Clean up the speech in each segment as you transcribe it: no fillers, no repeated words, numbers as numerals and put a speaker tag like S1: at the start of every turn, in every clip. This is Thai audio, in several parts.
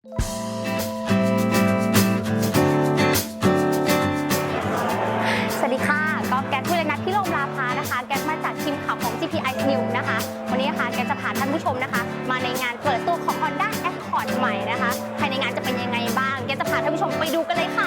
S1: สวัสดีค่ะก็แก๊สคุยเลยนัดที่โรงลาพานะคะแก๊สมาจากทีมข่าวของ GPI News นะคะวันนี้นะคะแก๊สจะพาท่านผู้ชมนะคะมาในงานเปิดตัวของ Honda Accord ใหม่นะคะภายในงานจะเป็นยังไงบ้างแก๊สจะพาท่านผู้ชมไปดูกันเลยค่ะ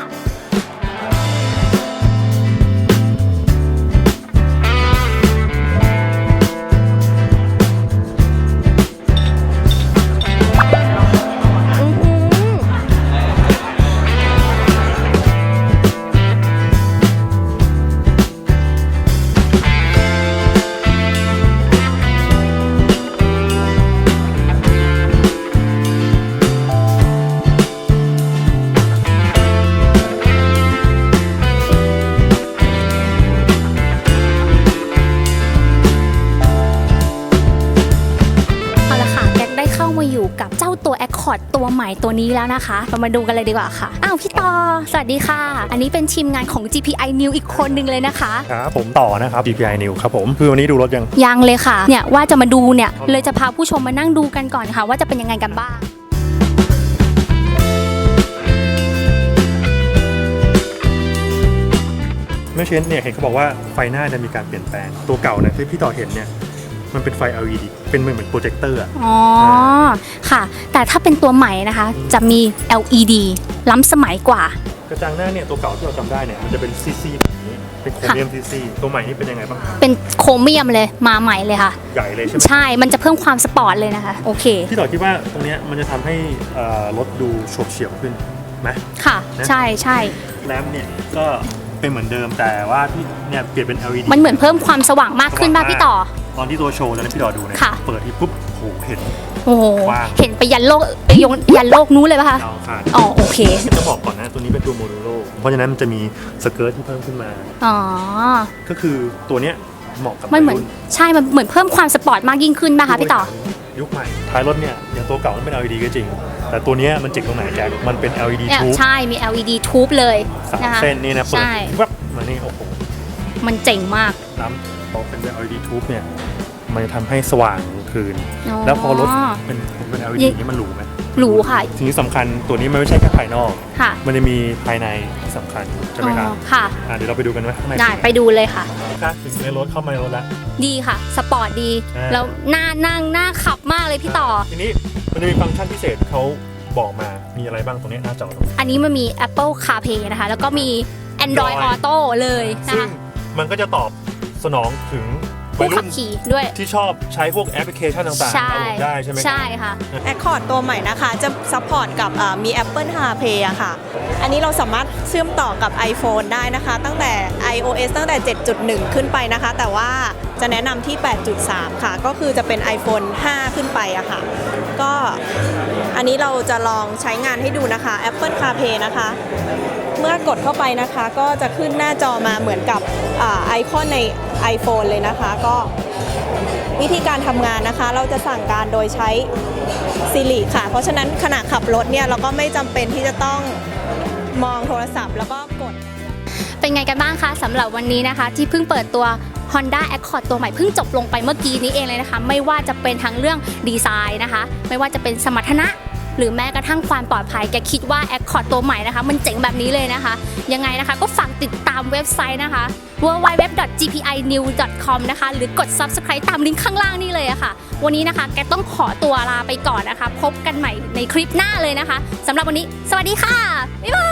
S1: กับเจ้าตัว Accord ตัวใหม่ตัวนี้แล้วนะคะเรามาดูกันเลยดีกว่าค่ะอ้าวพี่ต่อสวัสดีค่ะอันนี้เป็นทีมงานของ GPI News อีกคนนึงเลยนะคะ
S2: ครับผมต่อนะครับ GPI News ครับผมคือวันนี้ดูรถ
S1: ยังเลยค่ะเนี่ยว่าจะมาดูเนี่ยเลยจะพาผู้ชมมานั่งดูกันก่อนค่ะว่าจะเป็นยังไงกันบ้าง
S2: เมื่อเช้นเนี่ยเห็นเขาบอกว่าไฟหน้าจะมีการเปลี่ยนแปลงตัวเก่าเนี่ยที่พี่ต่อเห็นเนี่ยมันเป็นไฟ LED เป็นเหมือนโปรเจคเตอร์
S1: อ๋อค่ะแต่ถ้าเป็นตัวใหม่นะคะจะมี LED ล้ำสมัยกว่าก
S2: ระจังหน้าเนี่ยตัวเก่าที่เราจำได้เนี่ยมันจะเป็นซีแบบนี้เป็นโครเมียมซีตัวใหม่นี่เป็นยังไงบ้าง
S1: เป็นโครเมียมเลยมาใหม่เลยค่ะ
S2: ใหญ่เลยใช่ไหม
S1: ใช่มันจะเพิ่มความสปอร์ตเลยนะคะโอเค
S2: พี่ต่อคิดว่าตรงนี้มันจะทำให้รถดูโฉบเฉี่ยวขึ้นไหม
S1: ค่ะใช่ใช่
S2: แรมเนี่ยก็เป็นเหมือนเดิมแต่ว่าพี่เนี่ยเปลี่ยนเป็น LED
S1: มันเหมือนเพิ่มความสว่างมากขึ้นป่ะพี่ต่อ
S2: ตอนที่ตัวโชว์ตอนนั้นพี่ต่อดูเนี่ยเปิดที่ปุ๊บโหเห็น
S1: เห็นไปยันโลกยันโลกนู้นเลยป่ะคะอ๋อโอเค
S2: จะบอกก่อนนะตัวนี้เป็นตัวโมโนโลเพราะฉะนั้นมันจะมีสเกิร์ตที่เพิ่มขึ้นมา
S1: อ๋อ
S2: ก็คือตัวเนี้ยเหมาะกับ
S1: มันเหมือนใช่มันเหมือนเพิ่มความสปอร์ตมากยิ่งขึ้นป่ะคะพี่ต่อ
S2: ยุคใหม่ท้ายรถเนี่ยอย่างตัวเก่ามันเป็น LED ก็จริงแต่ตัวนี้มันเจ๋งตรงไหนแกมันเป็น LED ทูบ
S1: ใช่มี LED ทูบเลย
S2: นะคะเส้นนี่นะเปิดวับมานี่โอ้โห
S1: มันเจ๋งมาก
S2: น้ำพอเป็น LED ทูบเนี่ยมันจะทำให้สว่างคืนแล้วพอรถเป็น LED นี่มันหรูไหม
S1: หรูค่ะ
S2: ทีนี้สำคัญตัวนี้มันไม่ใช่แค่ภายนอกมันจะมีภายในสำคัญใช่ไหมครับ
S1: ค่ะ
S2: เดี๋ยวเราไปดูกันว่าข้างใน
S1: ได้ไปดูเลยค่ะ
S2: ถึงในรถเข้ามาในรถแล้ว
S1: ดีค่ะสปอร์ตดีแล้วน่าขับมากเลยพี่ต่อ
S2: ทีนี้มันจะมีฟังก์ชันพิเศษเขาบอกมามีอะไรบ้างตรงนี้หน้าจอ
S1: อันนี้มันมี Apple CarPlay นะคะแล้วก็มี Android Auto เลยนะคะ
S2: มันก็จะตอบสนองถึง
S1: ผู้ขับขี่ด้วย
S2: ที่ชอบใช้พวกแอปพลิเคชันต่างๆได้ใช่ไหม
S1: ใช่ค่ะ
S3: Accord ตัวใหม่นะคะจะซัพพอร์ตกับมี Apple CarPlay อะค่ะอันนี้เราสามารถเชื่อมต่อกับ iPhone ได้นะคะตั้งแต่ iOS ตั้งแต่ 7.1 ขึ้นไปนะคะแต่ว่าจะแนะนำที่ 8.3 ค่ะก็คือจะเป็น iPhone 5 ขึ้นไปอะค่ะก็อันนี้เราจะลองใช้งานให้ดูนะคะ Apple CarPlay นะคะเมื่อกดเข้าไปนะคะก็จะขึ้นหน้าจอมาเหมือนกับไอคอนใน iPhone เลยนะคะก็วิธีการทำงานนะคะเราจะสั่งการโดยใช้ Siri ค่ะเพราะฉะนั้นขณะขับรถเนี่ยเราก็ไม่จำเป็นที่จะต้องมองโทรศัพท์แล้วก็กด
S1: เป็นไงกันบ้างคะสำหรับวันนี้นะคะที่เพิ่งเปิดตัว Honda Accord ตัวใหม่เพิ่งจบลงไปเมื่อกี้นี้เองเลยนะคะไม่ว่าจะเป็นทั้งเรื่องดีไซน์นะคะไม่ว่าจะเป็นสมรรถนะหรือแม้กระทั่งความปลอดภัยแกคิดว่า Accord ตัวใหม่นะคะมันเจ๋งแบบนี้เลยนะคะยังไงนะคะก็ฝากติดตามเว็บไซต์นะคะ www.gpinews.com นะคะหรือกด Subscribe ตามลิงก์ข้างล่างนี่เลยอะค่ะวันนี้นะคะแกต้องขอตัวลาไปก่อนนะคะพบกันใหม่ในคลิปหน้าเลยนะคะสำหรับวันนี้สวัสดีค่ะบ๊ายบาย